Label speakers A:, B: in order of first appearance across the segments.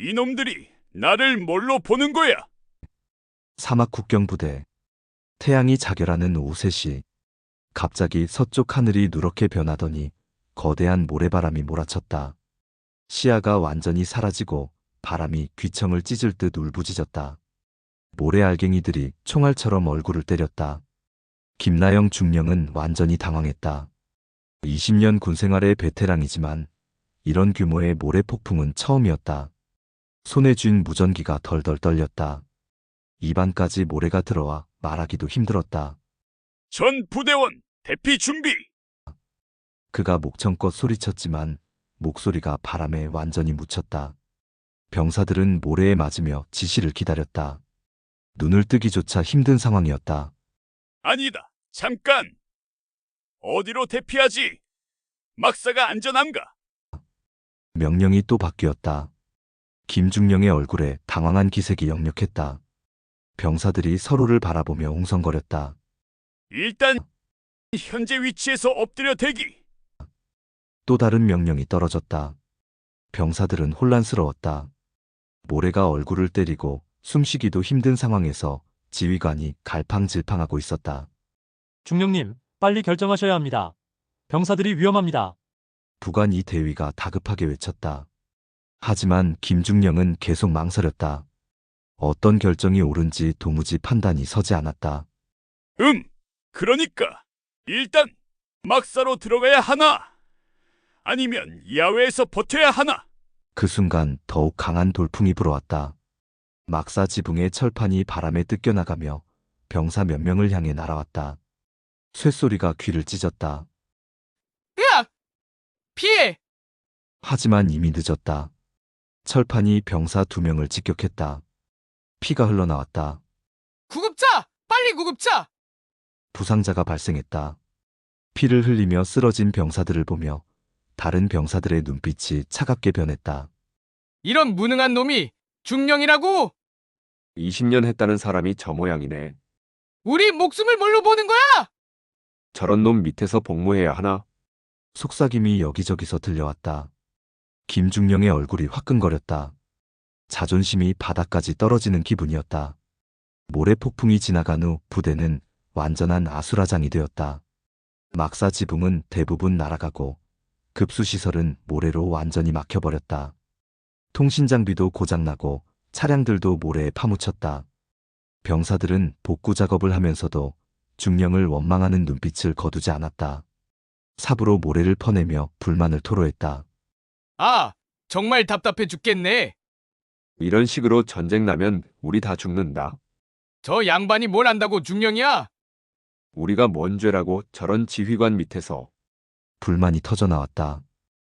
A: 이놈들이 나를 뭘로 보는 거야?
B: 사막 국경부대. 태양이 자결하는 오후 3시. 갑자기 서쪽 하늘이 누렇게 변하더니 거대한 모래바람이 몰아쳤다. 시야가 완전히 사라지고 바람이 귀청을 찢을 듯 울부짖었다. 모래알갱이들이 총알처럼 얼굴을 때렸다. 김나영 중령은 완전히 당황했다. 20년 군생활의 베테랑이지만 이런 규모의 모래폭풍은 처음이었다. 손에 쥔 무전기가 덜덜 떨렸다. 입안까지 모래가 들어와 말하기도 힘들었다.
A: 전 부대원 대피 준비!
B: 그가 목청껏 소리쳤지만 목소리가 바람에 완전히 묻혔다. 병사들은 모래에 맞으며 지시를 기다렸다. 눈을 뜨기조차 힘든 상황이었다.
A: 아니다. 잠깐! 어디로 대피하지? 막사가 안전한가?
B: 명령이 또 바뀌었다. 김중령의 얼굴에 당황한 기색이 역력했다. 병사들이 서로를 바라보며 웅성거렸다.
A: 일단 현재 위치에서 엎드려 대기!
B: 또 다른 명령이 떨어졌다. 병사들은 혼란스러웠다. 모래가 얼굴을 때리고 숨쉬기도 힘든 상황에서 지휘관이 갈팡질팡하고 있었다.
C: 중령님, 빨리 결정하셔야 합니다. 병사들이 위험합니다.
B: 부관 이 대위가 다급하게 외쳤다. 하지만 김중령은 계속 망설였다. 어떤 결정이 옳은지 도무지 판단이 서지 않았다.
A: 그러니까 일단 막사로 들어가야 하나? 아니면 야외에서 버텨야 하나?
B: 그 순간 더욱 강한 돌풍이 불어왔다. 막사 지붕의 철판이 바람에 뜯겨나가며 병사 몇 명을 향해 날아왔다. 쇳소리가 귀를 찢었다.
D: 으악! 피해!
B: 하지만 이미 늦었다. 철판이 병사 2명을 직격했다. 피가 흘러나왔다.
D: 구급차! 빨리 구급차!
B: 부상자가 발생했다. 피를 흘리며 쓰러진 병사들을 보며 다른 병사들의 눈빛이 차갑게 변했다.
D: 이런 무능한 놈이 중령이라고!
E: 20년 했다는 사람이 저 모양이네.
D: 우리 목숨을 뭘로 보는 거야?
E: 저런 놈 밑에서 복무해야 하나?
B: 속삭임이 여기저기서 들려왔다. 김중령의 얼굴이 화끈거렸다. 자존심이 바닥까지 떨어지는 기분이었다. 모래폭풍이 지나간 후 부대는 완전한 아수라장이 되었다. 막사 지붕은 대부분 날아가고 급수시설은 모래로 완전히 막혀버렸다. 통신장비도 고장나고 차량들도 모래에 파묻혔다. 병사들은 복구 작업을 하면서도 중령을 원망하는 눈빛을 거두지 않았다. 삽으로 모래를 퍼내며 불만을 토로했다.
D: 아, 정말 답답해 죽겠네.
E: 이런 식으로 전쟁 나면 우리 다 죽는다.
D: 저 양반이 뭘 안다고 중령이야?
E: 우리가 뭔 죄라고 저런 지휘관 밑에서.
B: 불만이 터져나왔다.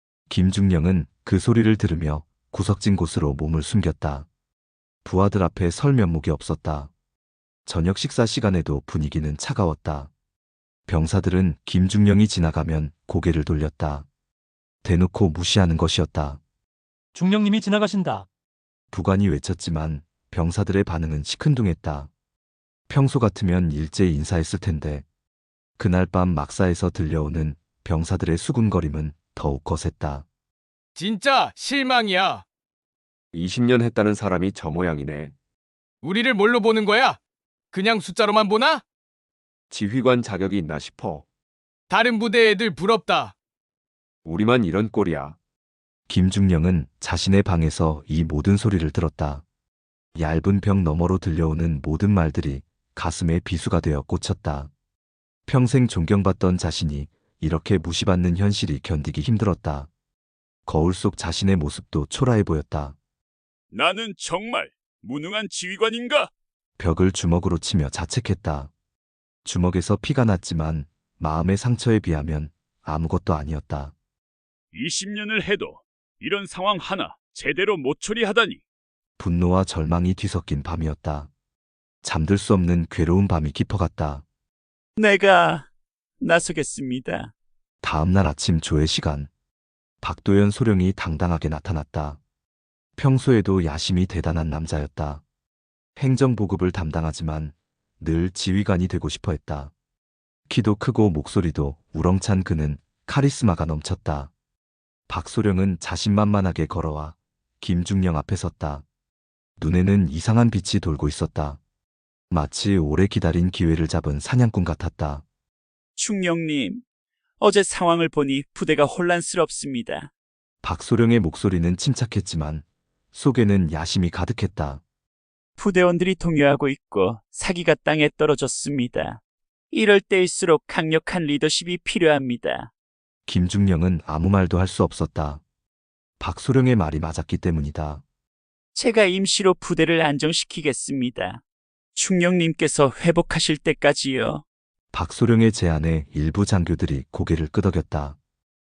B: 김중령은 그 소리를 들으며 구석진 곳으로 몸을 숨겼다. 부하들 앞에 설 면목이 없었다. 저녁 식사 시간에도 분위기는 차가웠다. 병사들은 김중령이 지나가면 고개를 돌렸다. 대놓고 무시하는 것이었다.
C: 중령님이 지나가신다.
B: 부관이 외쳤지만 병사들의 반응은 시큰둥했다. 평소 같으면 일제히 인사했을 텐데 그날 밤 막사에서 들려오는 병사들의 수군거림은 더욱 거셌다.
D: 진짜 실망이야.
E: 20년 했다는 사람이 저 모양이네.
D: 우리를 뭘로 보는 거야? 그냥 숫자로만 보나?
E: 지휘관 자격이 있나 싶어.
D: 다른 부대 애들 부럽다.
E: 우리만 이런 꼴이야.
B: 김중령은 자신의 방에서 이 모든 소리를 들었다. 얇은 벽 너머로 들려오는 모든 말들이 가슴에 비수가 되어 꽂혔다. 평생 존경받던 자신이 이렇게 무시받는 현실이 견디기 힘들었다. 거울 속 자신의 모습도 초라해 보였다.
A: 나는 정말 무능한 지휘관인가?
B: 벽을 주먹으로 치며 자책했다. 주먹에서 피가 났지만 마음의 상처에 비하면 아무것도 아니었다.
A: 20년을 해도 이런 상황 하나 제대로 못 처리하다니.
B: 분노와 절망이 뒤섞인 밤이었다. 잠들 수 없는 괴로운 밤이 깊어갔다.
A: 내가 나서겠습니다.
B: 다음 날 아침 조회 시간. 박도연 소령이 당당하게 나타났다. 평소에도 야심이 대단한 남자였다. 행정보급을 담당하지만 늘 지휘관이 되고 싶어 했다. 키도 크고 목소리도 우렁찬 그는 카리스마가 넘쳤다. 박소령은 자신만만하게 걸어와 김중령 앞에 섰다. 눈에는 이상한 빛이 돌고 있었다. 마치 오래 기다린 기회를 잡은 사냥꾼 같았다.
A: 충령님, 어제 상황을 보니 부대가 혼란스럽습니다.
B: 박소령의 목소리는 침착했지만 속에는 야심이 가득했다.
A: 부대원들이 동요하고 있고 사기가 땅에 떨어졌습니다. 이럴 때일수록 강력한 리더십이 필요합니다.
B: 김중령은 아무 말도 할 수 없었다. 박소령의 말이 맞았기 때문이다.
A: 제가 임시로 부대를 안정시키겠습니다. 충령님께서 회복하실 때까지요.
B: 박소령의 제안에 일부 장교들이 고개를 끄덕였다.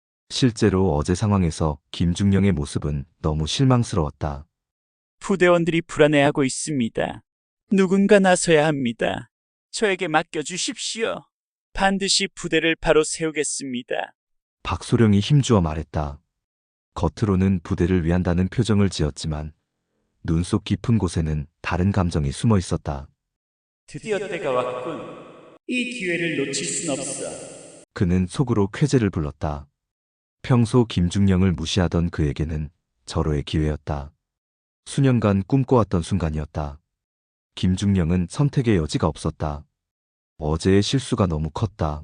B: 실제로 어제 상황에서 김중령의 모습은 너무 실망스러웠다.
A: 부대원들이 불안해하고 있습니다. 누군가 나서야 합니다. 저에게 맡겨주십시오. 반드시 부대를 바로 세우겠습니다.
B: 박소령이 힘주어 말했다. 겉으로는 부대를 위한다는 표정을 지었지만 눈 속 깊은 곳에는 다른 감정이 숨어 있었다.
A: 드디어 때가 왔군. 이 기회를 놓칠 순 없어.
B: 그는 속으로 쾌재를 불렀다. 평소 김중령을 무시하던 그에게는 절호의 기회였다. 수년간 꿈꿔왔던 순간이었다. 김중령은 선택의 여지가 없었다. 어제의 실수가 너무 컸다.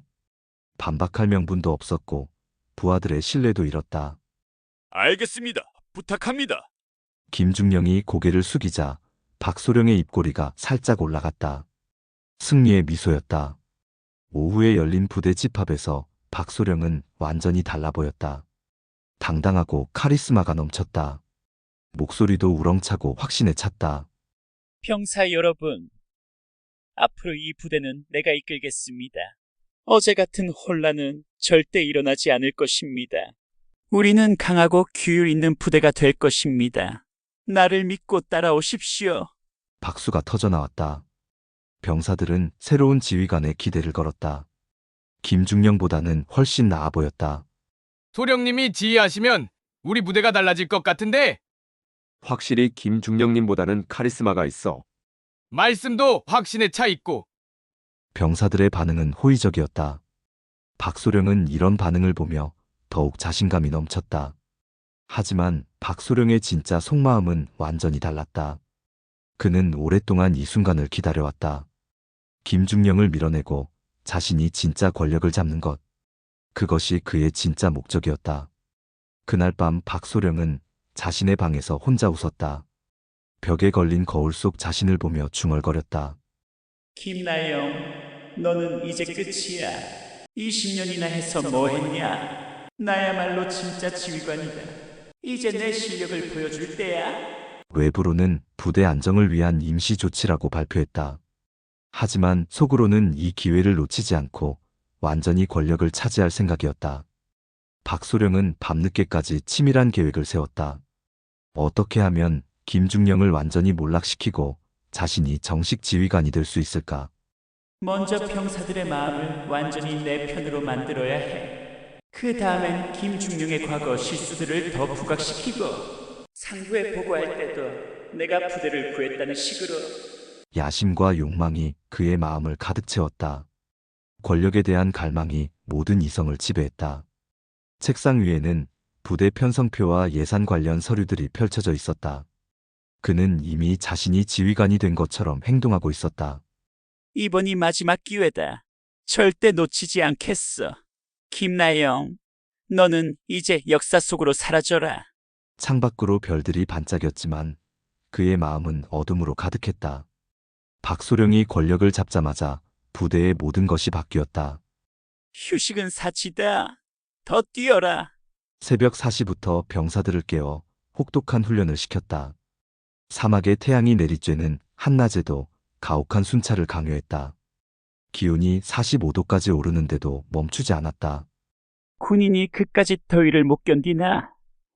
B: 반박할 명분도 없었고 부하들의 신뢰도 잃었다.
A: 알겠습니다. 부탁합니다.
B: 김중령이 고개를 숙이자 박소령의 입꼬리가 살짝 올라갔다. 승리의 미소였다. 오후에 열린 부대 집합에서 박소령은 완전히 달라 보였다. 당당하고 카리스마가 넘쳤다. 목소리도 우렁차고 확신에 찼다.
A: 병사 여러분, 앞으로 이 부대는 내가 이끌겠습니다. 어제 같은 혼란은 절대 일어나지 않을 것입니다. 우리는 강하고 규율 있는 부대가 될 것입니다. 나를 믿고 따라오십시오.
B: 박수가 터져나왔다. 병사들은 새로운 지휘관에 기대를 걸었다. 김중령보다는 훨씬 나아 보였다.
D: 소령님이 지휘하시면 우리 부대가 달라질 것 같은데
E: 확실히 김중령님보다는 카리스마가 있어.
D: 말씀도 확신에 차 있고
B: 병사들의 반응은 호의적이었다. 박소령은 이런 반응을 보며 더욱 자신감이 넘쳤다. 하지만 박소령의 진짜 속마음은 완전히 달랐다. 그는 오랫동안 이 순간을 기다려왔다. 김중령을 밀어내고 자신이 진짜 권력을 잡는 것. 그것이 그의 진짜 목적이었다. 그날 밤 박소령은 자신의 방에서 혼자 웃었다. 벽에 걸린 거울 속 자신을 보며 중얼거렸다.
A: 김나영, 너는 이제 끝이야. 20년이나 해서 뭐 했냐? 나야말로 진짜 지휘관이다. 이제 내 실력을 보여줄 때야.
B: 외부로는 부대 안정을 위한 임시 조치라고 발표했다. 하지만 속으로는 이 기회를 놓치지 않고 완전히 권력을 차지할 생각이었다. 박소령은 밤늦게까지 치밀한 계획을 세웠다. 어떻게 하면 김중령을 완전히 몰락시키고 자신이 정식 지휘관이 될 수 있을까?
A: 먼저 병사들의 마음을 완전히 내 편으로 만들어야 해. 그 다음엔 김중령의 과거 실수들을 더 부각시키고 상부에 보고할 때도 내가 부대를 구했다는 식으로.
B: 야심과 욕망이 그의 마음을 가득 채웠다. 권력에 대한 갈망이 모든 이성을 지배했다. 책상 위에는 부대 편성표와 예산 관련 서류들이 펼쳐져 있었다. 그는 이미 자신이 지휘관이 된 것처럼 행동하고 있었다.
A: 이번이 마지막 기회다. 절대 놓치지 않겠어. 김나영, 너는 이제 역사 속으로 사라져라.
B: 창밖으로 별들이 반짝였지만 그의 마음은 어둠으로 가득했다. 박소령이 권력을 잡자마자 부대의 모든 것이 바뀌었다.
A: 휴식은 사치다. 더 뛰어라.
B: 새벽 4시부터 병사들을 깨워 혹독한 훈련을 시켰다. 사막의 태양이 내리쬐는 한낮에도 가혹한 순찰을 강요했다. 기온이 45도까지 오르는데도 멈추지 않았다.
A: 군인이 그까짓 더위를 못 견디나?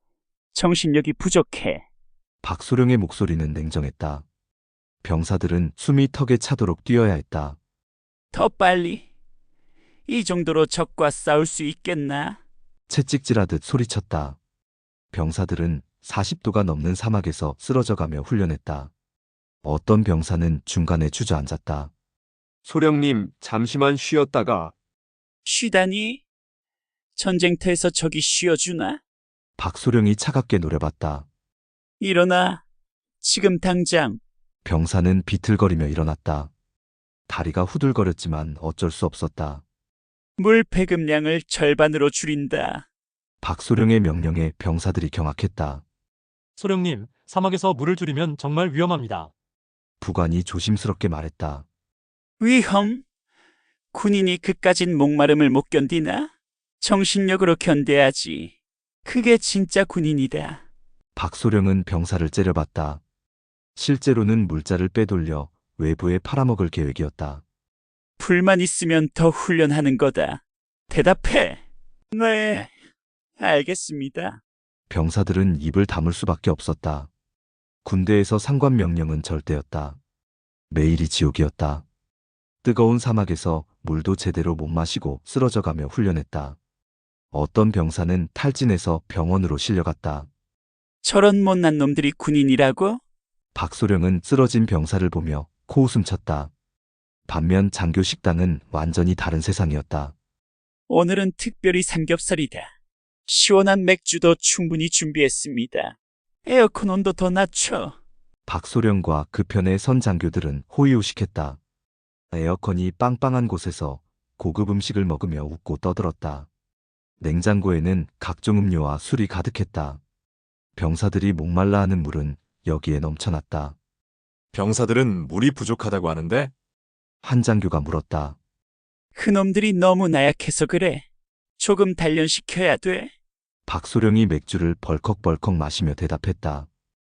A: 정신력이 부족해.
B: 박소령의 목소리는 냉정했다. 병사들은 숨이 턱에 차도록 뛰어야 했다.
A: 더 빨리. 이 정도로 적과 싸울 수 있겠나?
B: 채찍질하듯 소리쳤다. 병사들은 40도가 넘는 사막에서 쓰러져가며 훈련했다. 어떤 병사는 중간에 주저앉았다.
E: 소령님, 잠시만 쉬었다가.
A: 쉬다니? 전쟁터에서 적이 쉬어주나?
B: 박소령이 차갑게 노려봤다.
A: 일어나. 지금 당장.
B: 병사는 비틀거리며 일어났다. 다리가 후들거렸지만 어쩔 수 없었다.
A: 물 배급량을 절반으로 줄인다.
B: 박소령의 명령에 병사들이 경악했다.
C: 소령님, 사막에서 물을 줄이면 정말 위험합니다.
B: 부관이 조심스럽게 말했다.
A: 위험? 군인이 그까진 목마름을 못 견디나? 정신력으로 견뎌야지. 그게 진짜 군인이다.
B: 박소령은 병사를 째려봤다. 실제로는 물자를 빼돌려 외부에 팔아먹을 계획이었다.
A: 불만 있으면 더 훈련하는 거다. 대답해. 네, 알겠습니다.
B: 병사들은 입을 다물 수밖에 없었다. 군대에서 상관 명령은 절대였다. 매일이 지옥이었다. 뜨거운 사막에서 물도 제대로 못 마시고 쓰러져가며 훈련했다. 어떤 병사는 탈진해서 병원으로 실려갔다.
A: 저런 못난 놈들이 군인이라고?
B: 박소령은 쓰러진 병사를 보며 코웃음 쳤다. 반면 장교 식당은 완전히 다른 세상이었다.
A: 오늘은 특별히 삼겹살이다. 시원한 맥주도 충분히 준비했습니다. 에어컨 온도 더 낮춰.
B: 박소령과 그 편의 선 장교들은 호의호식했다. 에어컨이 빵빵한 곳에서 고급 음식을 먹으며 웃고 떠들었다. 냉장고에는 각종 음료와 술이 가득했다. 병사들이 목말라 하는 물은 여기에 넘쳐났다.
F: 병사들은 물이 부족하다고 하는데
B: 한 장교가 물었다.
A: 그놈들이 너무 나약해서 그래. 조금 단련시켜야 돼.
B: 박소령이 맥주를 벌컥벌컥 마시며 대답했다.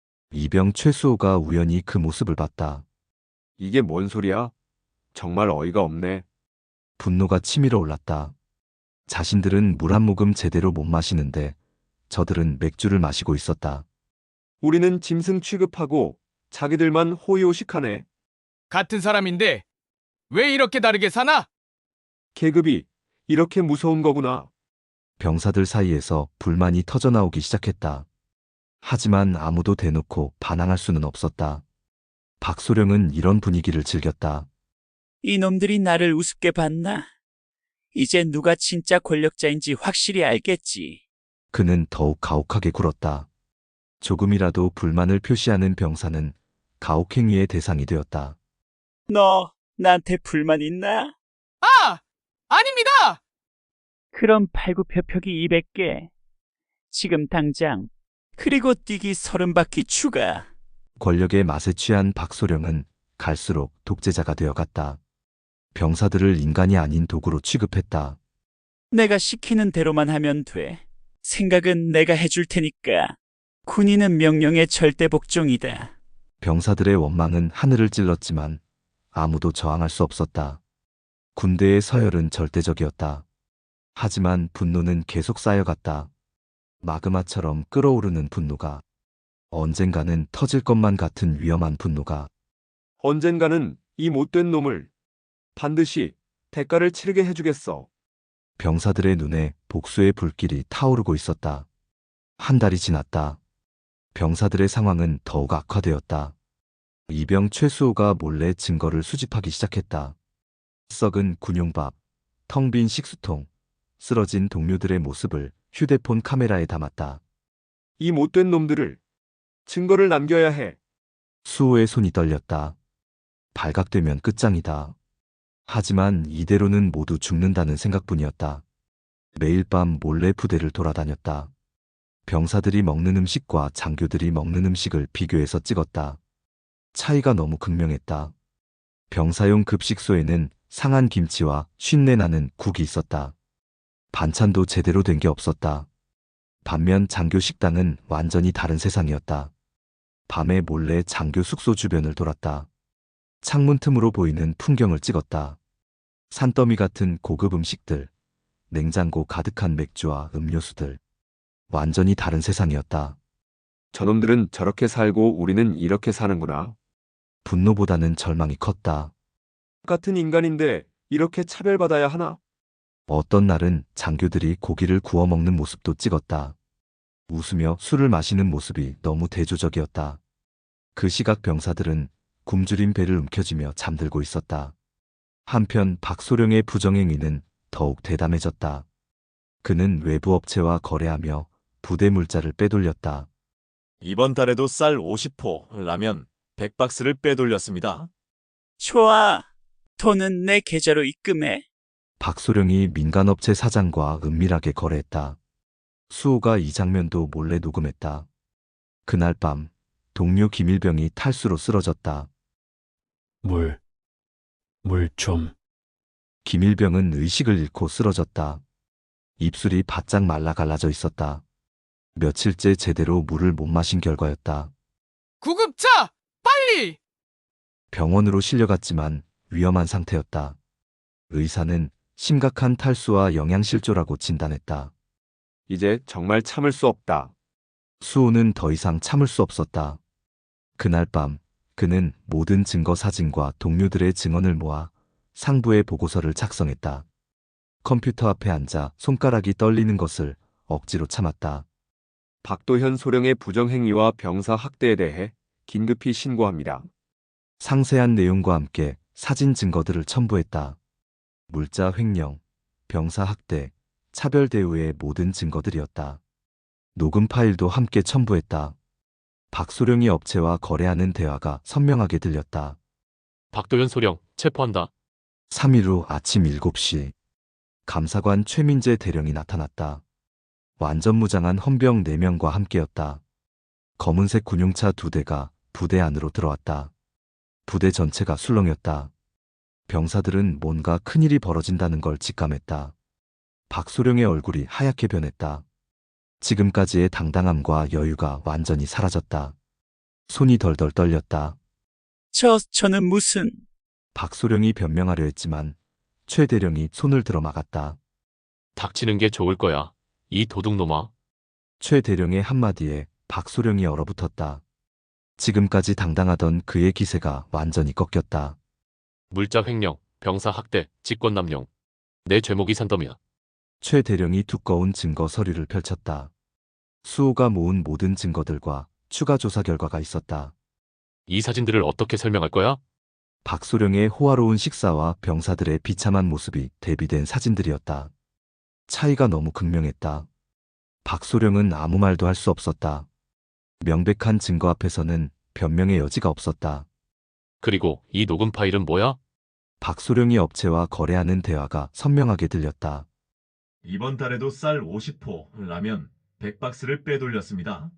B: 이병 최수호가 우연히 그 모습을 봤다.
E: 이게 뭔 소리야? 정말 어이가 없네.
B: 분노가 치밀어 올랐다. 자신들은 물 한 모금 제대로 못 마시는데 저들은 맥주를 마시고 있었다.
E: 우리는 짐승 취급하고 자기들만 호의호식하네.
D: 같은 사람인데 왜 이렇게 다르게 사나?
E: 계급이 이렇게 무서운 거구나.
B: 병사들 사이에서 불만이 터져나오기 시작했다. 하지만 아무도 대놓고 반항할 수는 없었다. 박소령은 이런 분위기를 즐겼다.
A: 이놈들이 나를 우습게 봤나? 이제 누가 진짜 권력자인지 확실히 알겠지.
B: 그는 더욱 가혹하게 굴었다. 조금이라도 불만을 표시하는 병사는 가혹행위의 대상이 되었다.
A: 너 나한테 불만 있나?
D: 아! 아닙니다!
A: 그럼 팔굽혀펴기 200개. 지금 당장. 그리고 뛰기 30바퀴 추가.
B: 권력의 맛에 취한 박소령은 갈수록 독재자가 되어갔다. 병사들을 인간이 아닌 도구로 취급했다.
A: 내가 시키는 대로만 하면 돼. 생각은 내가 해줄 테니까. 군인은 명령의 절대 복종이다.
B: 병사들의 원망은 하늘을 찔렀지만 아무도 저항할 수 없었다. 군대의 서열은 절대적이었다. 하지만 분노는 계속 쌓여갔다. 마그마처럼 끓어오르는 분노가, 언젠가는 터질 것만 같은 위험한 분노가.
E: 언젠가는 이 못된 놈을 반드시 대가를 치르게 해주겠어.
B: 병사들의 눈에 복수의 불길이 타오르고 있었다. 한 달이 지났다. 병사들의 상황은 더욱 악화되었다. 이병 최수호가 몰래 증거를 수집하기 시작했다. 썩은 군용밥, 텅 빈 식수통, 쓰러진 동료들의 모습을 휴대폰 카메라에 담았다.
E: 이 못된 놈들을 증거를 남겨야 해.
B: 수호의 손이 떨렸다. 발각되면 끝장이다. 하지만 이대로는 모두 죽는다는 생각뿐이었다. 매일 밤 몰래 부대를 돌아다녔다. 병사들이 먹는 음식과 장교들이 먹는 음식을 비교해서 찍었다. 차이가 너무 극명했다. 병사용 급식소에는 상한 김치와 쉰내 나는 국이 있었다. 반찬도 제대로 된 게 없었다. 반면 장교 식당은 완전히 다른 세상이었다. 밤에 몰래 장교 숙소 주변을 돌았다. 창문 틈으로 보이는 풍경을 찍었다. 산더미 같은 고급 음식들, 냉장고 가득한 맥주와 음료수들. 완전히 다른 세상이었다.
E: 저놈들은 저렇게 살고 우리는 이렇게 사는구나.
B: 분노보다는 절망이 컸다.
E: 같은 인간인데 이렇게 차별받아야 하나?
B: 어떤 날은 장교들이 고기를 구워 먹는 모습도 찍었다. 웃으며 술을 마시는 모습이 너무 대조적이었다. 그 시각 병사들은 굶주린 배를 움켜쥐며 잠들고 있었다. 한편 박소령의 부정행위는 더욱 대담해졌다. 그는 외부 업체와 거래하며 부대 물자를 빼돌렸다.
F: 이번 달에도 쌀 50포, 라면 100박스를 빼돌렸습니다.
A: 좋아. 돈은 내 계좌로 입금해.
B: 박소령이 민간업체 사장과 은밀하게 거래했다. 수호가 이 장면도 몰래 녹음했다. 그날 밤 동료 김일병이 탈수로 쓰러졌다.
G: 물 좀.
B: 김일병은 의식을 잃고 쓰러졌다. 입술이 바짝 말라 갈라져 있었다. 며칠째 제대로 물을 못 마신 결과였다.
D: 구급차! 빨리!
B: 병원으로 실려갔지만 위험한 상태였다. 의사는 심각한 탈수와 영양실조라고 진단했다.
E: 이제 정말 참을 수 없다.
B: 수호는 더 이상 참을 수 없었다. 그날 밤 그는 모든 증거 사진과 동료들의 증언을 모아 상부의 보고서를 작성했다. 컴퓨터 앞에 앉아 손가락이 떨리는 것을 억지로 참았다.
E: 박도현 소령의 부정행위와 병사 학대에 대해 긴급히 신고합니다.
B: 상세한 내용과 함께 사진 증거들을 첨부했다. 물자 횡령, 병사 학대, 차별 대우의 모든 증거들이었다. 녹음 파일도 함께 첨부했다. 박소령이 업체와 거래하는 대화가 선명하게 들렸다.
G: 박도현 소령 체포한다.
B: 3일 후 아침 7시 감사관 최민재 대령이 나타났다. 완전 무장한 헌병 4명과 함께였다. 검은색 군용차 2대가 부대 안으로 들어왔다. 부대 전체가 술렁였다. 병사들은 뭔가 큰일이 벌어진다는 걸 직감했다. 박소령의 얼굴이 하얗게 변했다. 지금까지의 당당함과 여유가 완전히 사라졌다. 손이 덜덜 떨렸다.
A: 저는 무슨...
B: 박소령이 변명하려 했지만 최 대령이 손을 들어 막았다.
G: 닥치는 게 좋을 거야. 이 도둑놈아.
B: 최 대령의 한마디에 박소령이 얼어붙었다. 지금까지 당당하던 그의 기세가 완전히 꺾였다.
G: 물자 횡령, 병사 학대, 직권남용. 내 죄목이 산더미야.
B: 최 대령이 두꺼운 증거 서류를 펼쳤다. 수호가 모은 모든 증거들과 추가 조사 결과가 있었다.
G: 이 사진들을 어떻게 설명할 거야?
B: 박소령의 호화로운 식사와 병사들의 비참한 모습이 대비된 사진들이었다. 차이가 너무 극명했다. 박소령은 아무 말도 할 수 없었다. 명백한 증거 앞에서는 변명의 여지가 없었다.
G: 그리고 이 녹음 파일은 뭐야?
B: 박소령이 업체와 거래하는 대화가 선명하게 들렸다.
F: 이번 달에도 쌀 50포, 라면 100박스를 빼돌렸습니다.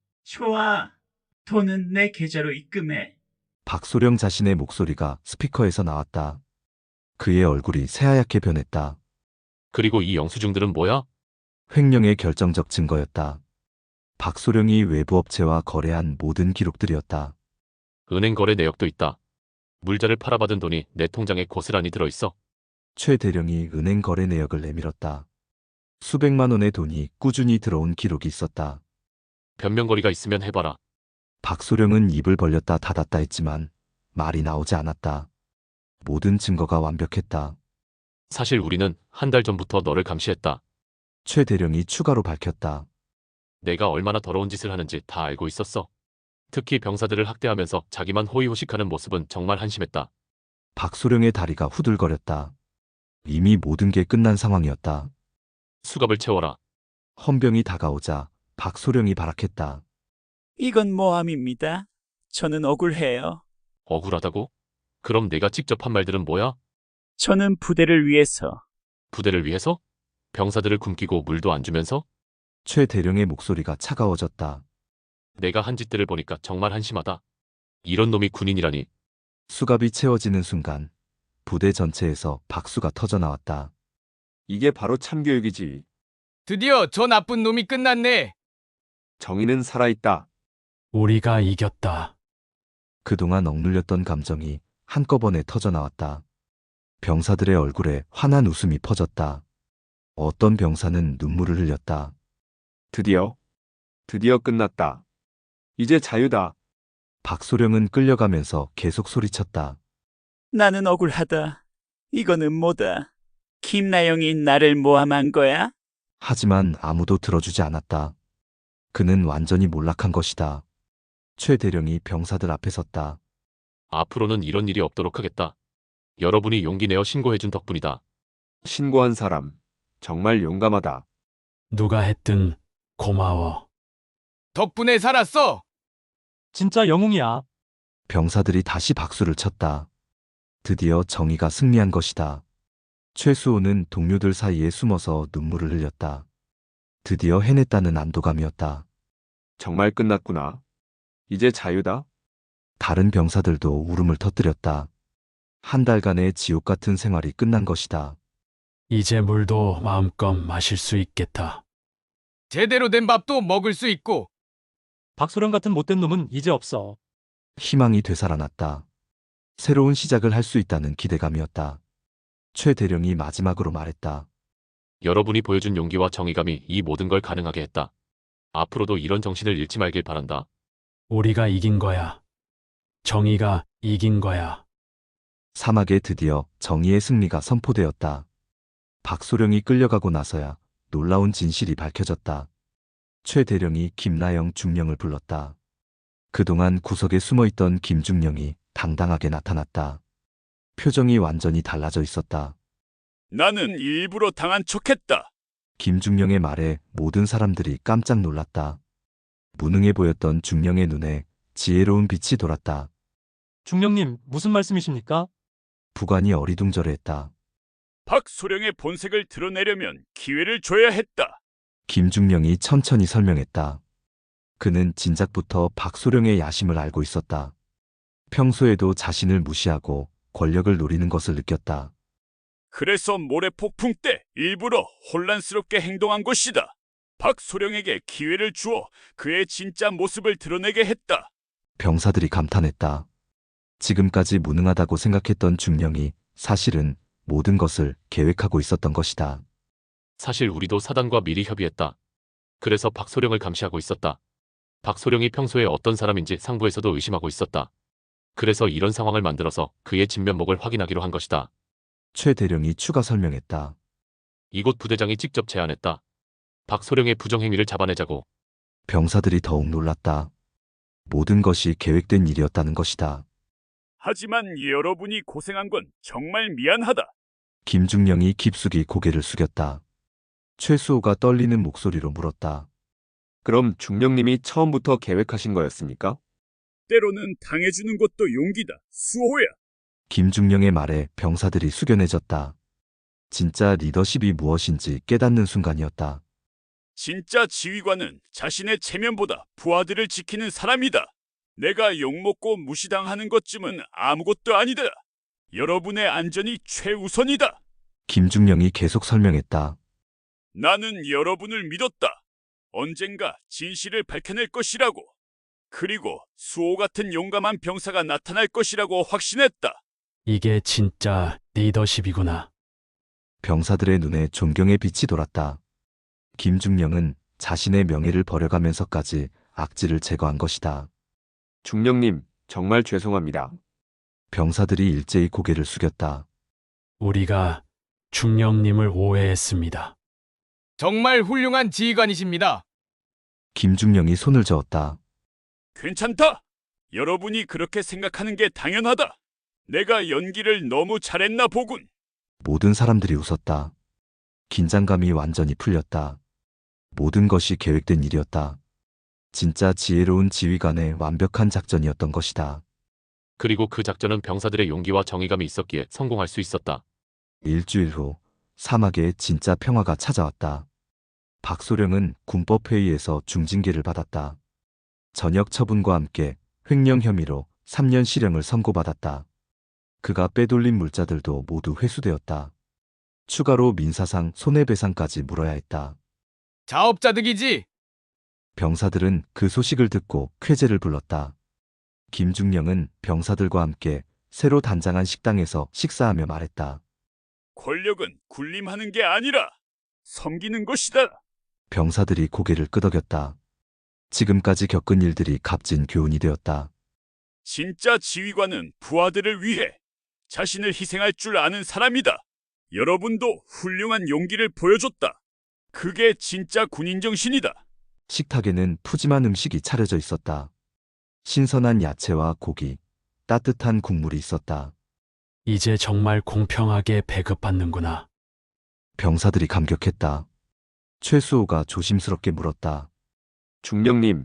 A: 좋아. 돈은 내 계좌로 입금해.
B: 박소령 자신의 목소리가 스피커에서 나왔다. 그의 얼굴이 새하얗게 변했다.
G: 그리고 이 영수증들은 뭐야?
B: 횡령의 결정적 증거였다. 박소령이 외부 업체와 거래한 모든 기록들이었다.
G: 은행 거래 내역도 있다. 물자를 팔아받은 돈이 내 통장에 고스란히 들어있어.
B: 최 대령이 은행 거래 내역을 내밀었다. 수백만 원의 돈이 꾸준히 들어온 기록이 있었다.
G: 변명거리가 있으면 해봐라.
B: 박소령은 입을 벌렸다 닫았다 했지만 말이 나오지 않았다. 모든 증거가 완벽했다.
G: 사실 우리는 한 달 전부터 너를 감시했다.
B: 최 대령이 추가로 밝혔다.
G: 내가 얼마나 더러운 짓을 하는지 다 알고 있었어. 특히 병사들을 학대하면서 자기만 호의호식하는 모습은 정말 한심했다.
B: 박소령의 다리가 후들거렸다. 이미 모든 게 끝난 상황이었다.
G: 수갑을 채워라.
B: 헌병이 다가오자 박소령이 발악했다.
A: 이건 모함입니다. 저는 억울해요.
G: 억울하다고? 그럼 내가 직접 한 말들은 뭐야?
A: 저는 부대를 위해서...
G: 부대를 위해서? 병사들을 굶기고 물도 안 주면서?
B: 최 대령의 목소리가 차가워졌다.
G: 내가 한 짓들을 보니까 정말 한심하다. 이런 놈이 군인이라니.
B: 수갑이 채워지는 순간 부대 전체에서 박수가 터져나왔다.
E: 이게 바로 참교육이지.
D: 드디어 저 나쁜 놈이 끝났네.
E: 정의는 살아있다.
G: 우리가 이겼다.
B: 그동안 억눌렸던 감정이 한꺼번에 터져나왔다. 병사들의 얼굴에 환한 웃음이 퍼졌다. 어떤 병사는 눈물을 흘렸다.
E: 드디어 끝났다. 이제 자유다.
B: 박소령은 끌려가면서 계속 소리쳤다.
A: 나는 억울하다. 이거는 뭐다. 김나영이 나를 모함한 거야?
B: 하지만 아무도 들어주지 않았다. 그는 완전히 몰락한 것이다. 최 대령이 병사들 앞에 섰다.
G: 앞으로는 이런 일이 없도록 하겠다. 여러분이 용기 내어 신고해준 덕분이다.
E: 신고한 사람 정말 용감하다.
G: 누가 했든 고마워.
D: 덕분에 살았어.
C: 진짜 영웅이야.
B: 병사들이 다시 박수를 쳤다. 드디어 정의가 승리한 것이다. 최수호는 동료들 사이에 숨어서 눈물을 흘렸다. 드디어 해냈다는 안도감이었다.
E: 정말 끝났구나. 이제 자유다.
B: 다른 병사들도 울음을 터뜨렸다. 한 달간의 지옥 같은 생활이 끝난 것이다.
H: 이제 물도 마음껏 마실 수 있겠다.
D: 제대로 된 밥도 먹을 수 있고.
C: 박소령 같은 못된 놈은 이제 없어.
B: 희망이 되살아났다. 새로운 시작을 할 수 있다는 기대감이었다. 최 대령이 마지막으로 말했다.
G: 여러분이 보여준 용기와 정의감이 이 모든 걸 가능하게 했다. 앞으로도 이런 정신을 잃지 말길 바란다.
H: 우리가 이긴 거야. 정의가 이긴 거야.
B: 사막에 드디어 정의의 승리가 선포되었다. 박소령이 끌려가고 나서야 놀라운 진실이 밝혀졌다. 최 대령이 김나영 중령을 불렀다. 그동안 구석에 숨어있던 김중령이 당당하게 나타났다. 표정이 완전히 달라져 있었다.
A: 나는 일부러 당한 척했다.
B: 김중령의 말에 모든 사람들이 깜짝 놀랐다. 무능해 보였던 중령의 눈에 지혜로운 빛이 돌았다.
C: 중령님, 무슨 말씀이십니까?
B: 부관이 어리둥절해했다.
A: 박소령의 본색을 드러내려면 기회를 줘야 했다.
B: 김중령이 천천히 설명했다. 그는 진작부터 박소령의 야심을 알고 있었다. 평소에도 자신을 무시하고 권력을 노리는 것을 느꼈다.
A: 그래서 모래 폭풍 때 일부러 혼란스럽게 행동한 것이다. 박소령에게 기회를 주어 그의 진짜 모습을 드러내게 했다.
B: 병사들이 감탄했다. 지금까지 무능하다고 생각했던 중령이 사실은 모든 것을 계획하고 있었던 것이다.
G: 사실 우리도 사단과 미리 협의했다. 그래서 박소령을 감시하고 있었다. 박소령이 평소에 어떤 사람인지 상부에서도 의심하고 있었다. 그래서 이런 상황을 만들어서 그의 진면목을 확인하기로 한 것이다.
B: 최 대령이 추가 설명했다.
G: 이곳 부대장이 직접 제안했다. 박소령의 부정행위를 잡아내자고.
B: 병사들이 더욱 놀랐다. 모든 것이 계획된 일이었다는 것이다.
A: 하지만 여러분이 고생한 건 정말 미안하다.
B: 김중령이 깊숙이 고개를 숙였다. 최수호가 떨리는 목소리로 물었다.
E: 그럼 중령님이 처음부터 계획하신 거였습니까?
A: 때로는 당해주는 것도 용기다. 수호야.
B: 김중령의 말에 병사들이 숙연해졌다. 진짜 리더십이 무엇인지 깨닫는 순간이었다.
A: 진짜 지휘관은 자신의 체면보다 부하들을 지키는 사람이다. 내가 욕먹고 무시당하는 것쯤은 아무것도 아니다. 여러분의 안전이 최우선이다.
B: 김중령이 계속 설명했다.
A: 나는 여러분을 믿었다. 언젠가 진실을 밝혀낼 것이라고. 그리고 수호 같은 용감한 병사가 나타날 것이라고 확신했다.
H: 이게 진짜 리더십이구나.
B: 병사들의 눈에 존경의 빛이 돌았다. 김중령은 자신의 명예를 버려가면서까지 악질을 제거한 것이다.
E: 중령님, 정말 죄송합니다.
B: 병사들이 일제히 고개를 숙였다.
H: 우리가 중령님을 오해했습니다.
D: 정말 훌륭한 지휘관이십니다.
B: 김중령이 손을 저었다.
A: 괜찮다. 여러분이 그렇게 생각하는 게 당연하다. 내가 연기를 너무 잘했나 보군.
B: 모든 사람들이 웃었다. 긴장감이 완전히 풀렸다. 모든 것이 계획된 일이었다. 진짜 지혜로운 지휘관의 완벽한 작전이었던 것이다.
G: 그리고 그 작전은 병사들의 용기와 정의감이 있었기에 성공할 수 있었다.
B: 일주일 후 사막에 진짜 평화가 찾아왔다. 박소령은 군법회의에서 중징계를 받았다. 전역 처분과 함께 횡령 혐의로 3년 실형을 선고받았다. 그가 빼돌린 물자들도 모두 회수되었다. 추가로 민사상 손해배상까지 물어야 했다.
D: 자업자득이지.
B: 병사들은 그 소식을 듣고 쾌재를 불렀다. 김중령은 병사들과 함께 새로 단장한 식당에서 식사하며 말했다.
A: 권력은 군림하는 게 아니라 섬기는 것이다.
B: 병사들이 고개를 끄덕였다. 지금까지 겪은 일들이 값진 교훈이 되었다.
A: 진짜 지휘관은 부하들을 위해 자신을 희생할 줄 아는 사람이다. 여러분도 훌륭한 용기를 보여줬다. 그게 진짜 군인 정신이다.
B: 식탁에는 푸짐한 음식이 차려져 있었다. 신선한 야채와 고기, 따뜻한 국물이 있었다.
H: 이제 정말 공평하게 배급받는구나.
B: 병사들이 감격했다. 최수호가 조심스럽게 물었다.
E: 중령님,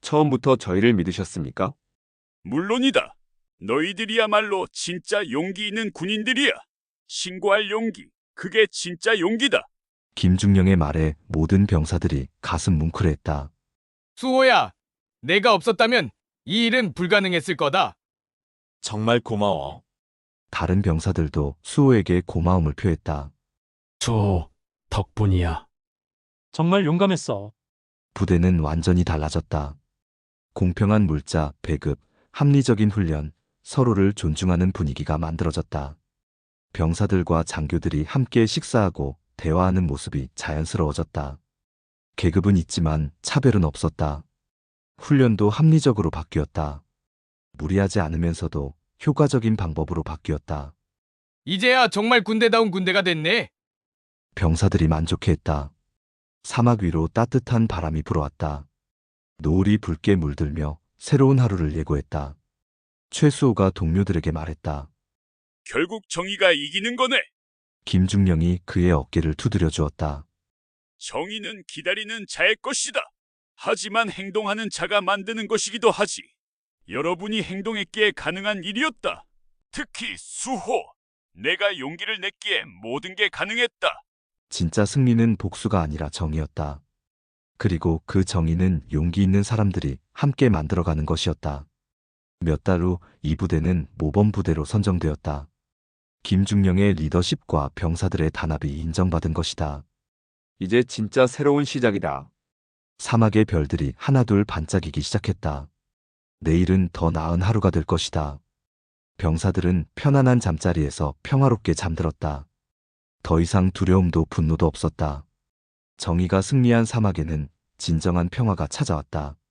E: 처음부터 저희를 믿으셨습니까?
A: 물론이다. 너희들이야말로 진짜 용기 있는 군인들이야. 신고할 용기, 그게 진짜 용기다.
B: 김중령의 말에 모든 병사들이 가슴 뭉클했다.
D: 수호야, 내가 없었다면 이 일은 불가능했을 거다.
F: 정말 고마워.
B: 다른 병사들도 수호에게 고마움을 표했다.
H: 수호, 덕분이야.
C: 정말 용감했어.
B: 부대는 완전히 달라졌다. 공평한 물자, 배급, 합리적인 훈련, 서로를 존중하는 분위기가 만들어졌다. 병사들과 장교들이 함께 식사하고 대화하는 모습이 자연스러워졌다. 계급은 있지만 차별은 없었다. 훈련도 합리적으로 바뀌었다. 무리하지 않으면서도 효과적인 방법으로 바뀌었다.
D: 이제야 정말 군대다운 군대가 됐네.
B: 병사들이 만족해했다. 사막 위로 따뜻한 바람이 불어왔다. 노을이 붉게 물들며 새로운 하루를 예고했다. 최수호가 동료들에게 말했다.
A: 결국 정의가 이기는 거네.
B: 김중령이 그의 어깨를 두드려 주었다.
A: 정의는 기다리는 자의 것이다. 하지만 행동하는 자가 만드는 것이기도 하지. 여러분이 행동했기에 가능한 일이었다. 특히 수호. 내가 용기를 냈기에 모든 게 가능했다.
B: 진짜 승리는 복수가 아니라 정의였다. 그리고 그 정의는 용기 있는 사람들이 함께 만들어가는 것이었다. 몇 달 후 이 부대는 모범부대로 선정되었다. 김중령의 리더십과 병사들의 단합이 인정받은 것이다.
E: 이제 진짜 새로운 시작이다.
B: 사막의 별들이 하나둘 반짝이기 시작했다. 내일은 더 나은 하루가 될 것이다. 병사들은 편안한 잠자리에서 평화롭게 잠들었다. 더 이상 두려움도 분노도 없었다. 정의가 승리한 사막에는 진정한 평화가 찾아왔다.